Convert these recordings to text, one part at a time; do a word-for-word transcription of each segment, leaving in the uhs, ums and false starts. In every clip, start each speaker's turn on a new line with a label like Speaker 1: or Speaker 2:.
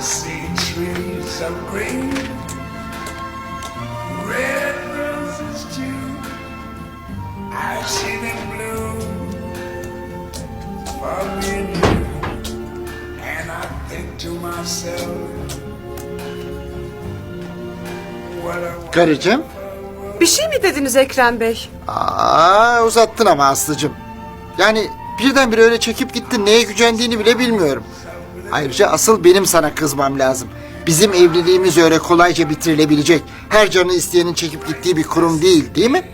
Speaker 1: see trees of green, red roses too. I see them blue for me and you. And I think to myself, what a
Speaker 2: Karıcığım.
Speaker 3: Bir şey mi dediniz Ekrem Bey?
Speaker 2: Aa, uzattın ama Aslı'cığım. Yani birdenbire öyle çekip gittin, neye gücendiğini bile bilmiyorum. Ayrıca asıl benim sana kızmam lazım. Bizim evliliğimiz öyle kolayca bitirilebilecek, her canı isteyenin çekip gittiği bir kurum değil, değil mi?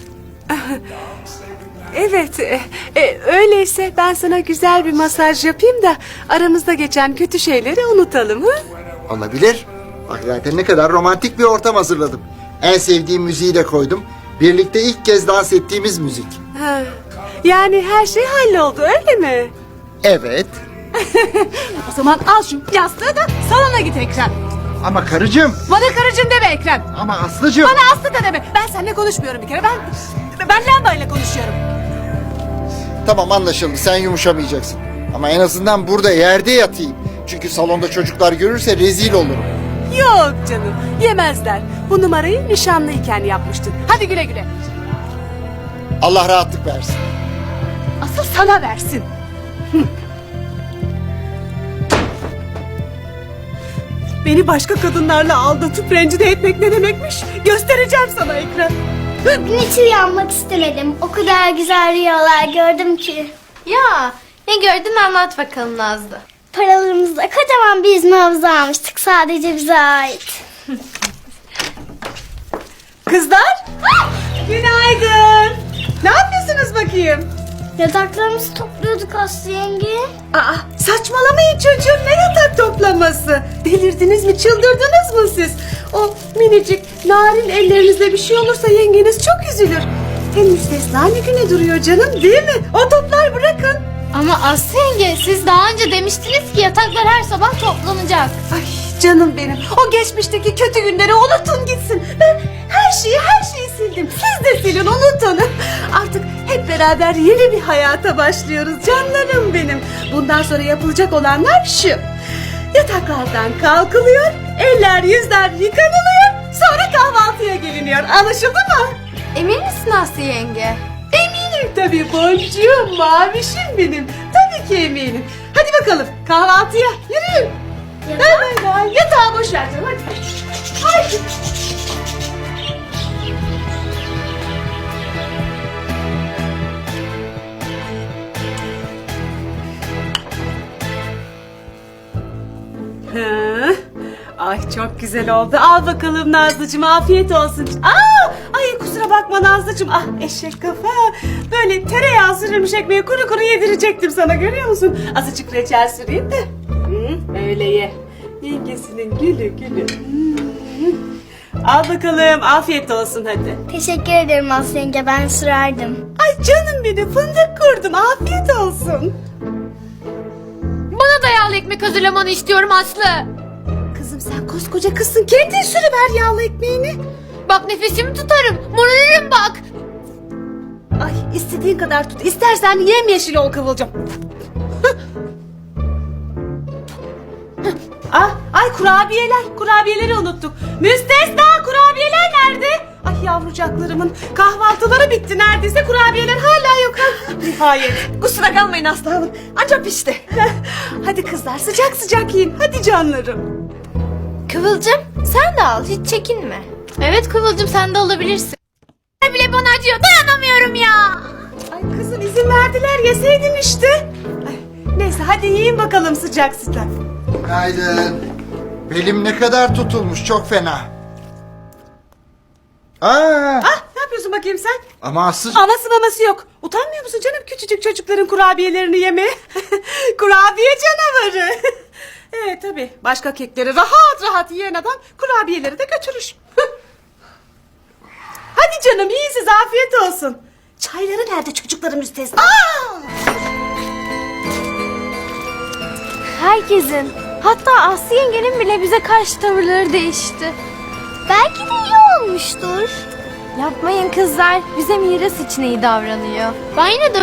Speaker 3: Evet, e, e, öyleyse ben sana güzel bir masaj yapayım da aramızda geçen kötü şeyleri unutalım. Hı?
Speaker 2: Olabilir. Bak zaten ne kadar romantik bir ortam hazırladım. En sevdiğim müziği de koydum. Birlikte ilk kez dans ettiğimiz müzik.
Speaker 3: Ha, yani her şey halloldu öyle mi?
Speaker 2: Evet.
Speaker 3: O zaman al şu yastığı da salona git Ekrem.
Speaker 2: Ama karıcığım.
Speaker 3: Bana karıcığım deme Ekrem.
Speaker 2: Ama Aslı'cığım.
Speaker 3: Bana Aslı da deme. Ben seninle konuşmuyorum bir kere. Ben ben lambayla konuşuyorum.
Speaker 2: Tamam, anlaşıldı, sen yumuşamayacaksın. Ama en azından burada yerde yatayım. Çünkü salonda çocuklar görürse rezil olurum.
Speaker 3: Yok canım, yemezler. Bu numarayı nişanlıyken yapmıştın. Hadi güle güle.
Speaker 2: Allah rahatlık versin.
Speaker 3: Asıl sana versin. Hı. Beni başka kadınlarla aldatıp rencide etmek ne demekmiş? Göstereceğim sana Ekrem.
Speaker 4: Bugün hiç uyanmak istemedim. O kadar güzel rüyalar gördüm ki.
Speaker 5: Ya ne gördün anlat bakalım Nazlı.
Speaker 4: Paralarımızla kocaman bir yüzme havuzu almıştık. Sadece bize ait.
Speaker 3: Kızlar, günaydın. Ne yapıyorsunuz bakayım?
Speaker 4: Yataklarımızı topluyorduk Aslı yenge.
Speaker 3: Aa, saçmalamayın çocuğum, ne yatak toplaması? Delirdiniz mi, çıldırdınız mı siz? O minicik narin ellerinizde bir şey olursa yengeniz çok üzülür. Hem müstesna ne güne duruyor canım, değil mi? O toplar bırakın.
Speaker 5: Ama Aslı yenge siz daha önce demiştiniz ki yataklar her sabah toplanacak.
Speaker 3: Ay canım benim, o geçmişteki kötü günleri unutun gitsin. Ben her şeyi her şeyi sildim. Siz de silin, unutun. Artık hep beraber yeni bir hayata başlıyoruz canlarım benim. Bundan sonra yapılacak olanlar şu. Yataklardan kalkılıyor, eller yüzler yıkanılıyor, sonra kahvaltıya geliniyor. Anlaşıldı mı?
Speaker 5: Emin misin Aslı yenge?
Speaker 3: Eminim tabii boncuğum, mavişim benim. Tabii ki eminim. Hadi bakalım kahvaltıya yürüyün. Bay bay bay. Yatağı boş ver canım hadi. Haydi. Hı. Ay çok güzel oldu. Al bakalım Nazlıcığım, afiyet olsun. Aa, ay kusura bakma Nazlıcığım. Ah eşek kafa. Böyle tereyağı sürülmüş ekmeği kuru kuru yedirecektim sana, görüyor musun? Azıcık reçel süreyim de. Hı, öyle ye. Yengesinin gülü gülü. Hı. Al bakalım, afiyet olsun hadi.
Speaker 4: Teşekkür ederim Aslı yenge, ben sürerdim.
Speaker 3: Ay canım benim, fındık kurdum, afiyet olsun.
Speaker 5: Bana da yağlı ekmek hazırlamanı istiyorum Aslı.
Speaker 3: Kızım sen koskoca kızsın, kendin sürüver yağlı ekmeğini.
Speaker 5: Bak nefesimi tutarım. Morarırım bak.
Speaker 3: Ay istediğin kadar tut. İstersen yemyeşil ol Kıvılcım. ah, ay kurabiyeler. Kurabiyeleri unuttuk. Müstesna, kurabiyeler nerede? Ay yavrucaklarımın kahvaltıları bitti neredeyse. Kurabiyeler hala yok. Ha, nihayet. Kusura kalmayın Aslı Hanım. Anca pişti. Hadi kızlar sıcak sıcak yiyin. Hadi canlarım.
Speaker 5: Kıvılcım sen de al hiç çekinme. Evet Kıvılcım sen de alabilirsin. Bile bana acıyor dayanamıyorum ya.
Speaker 3: Ay kızım izin verdiler, yeseydin işte. Ay, neyse hadi yiyin bakalım sıcak sıcak.
Speaker 2: Günaydın. Belim ne kadar tutulmuş, çok fena. Aa,
Speaker 3: Ah ne yapıyorsun bakayım sen?
Speaker 2: ama Aslı...
Speaker 3: Aması maması yok. Utanmıyor musun canım küçücük çocukların kurabiyelerini yemeye? Kurabiye canavarı. Evet tabii başka kekleri rahat rahat yiyen adam kurabiyeleri de götürür. Hadi canım iyi, siz afiyet olsun. Çayları nerede çocukların müstesna? Aa!
Speaker 5: Herkesin hatta Aslı yengenin bile bize karşı tavırları değişti.
Speaker 4: Belki de iyi olmuştur.
Speaker 5: Yapmayın kızlar bize miras için iyi davranıyor. Ben yine de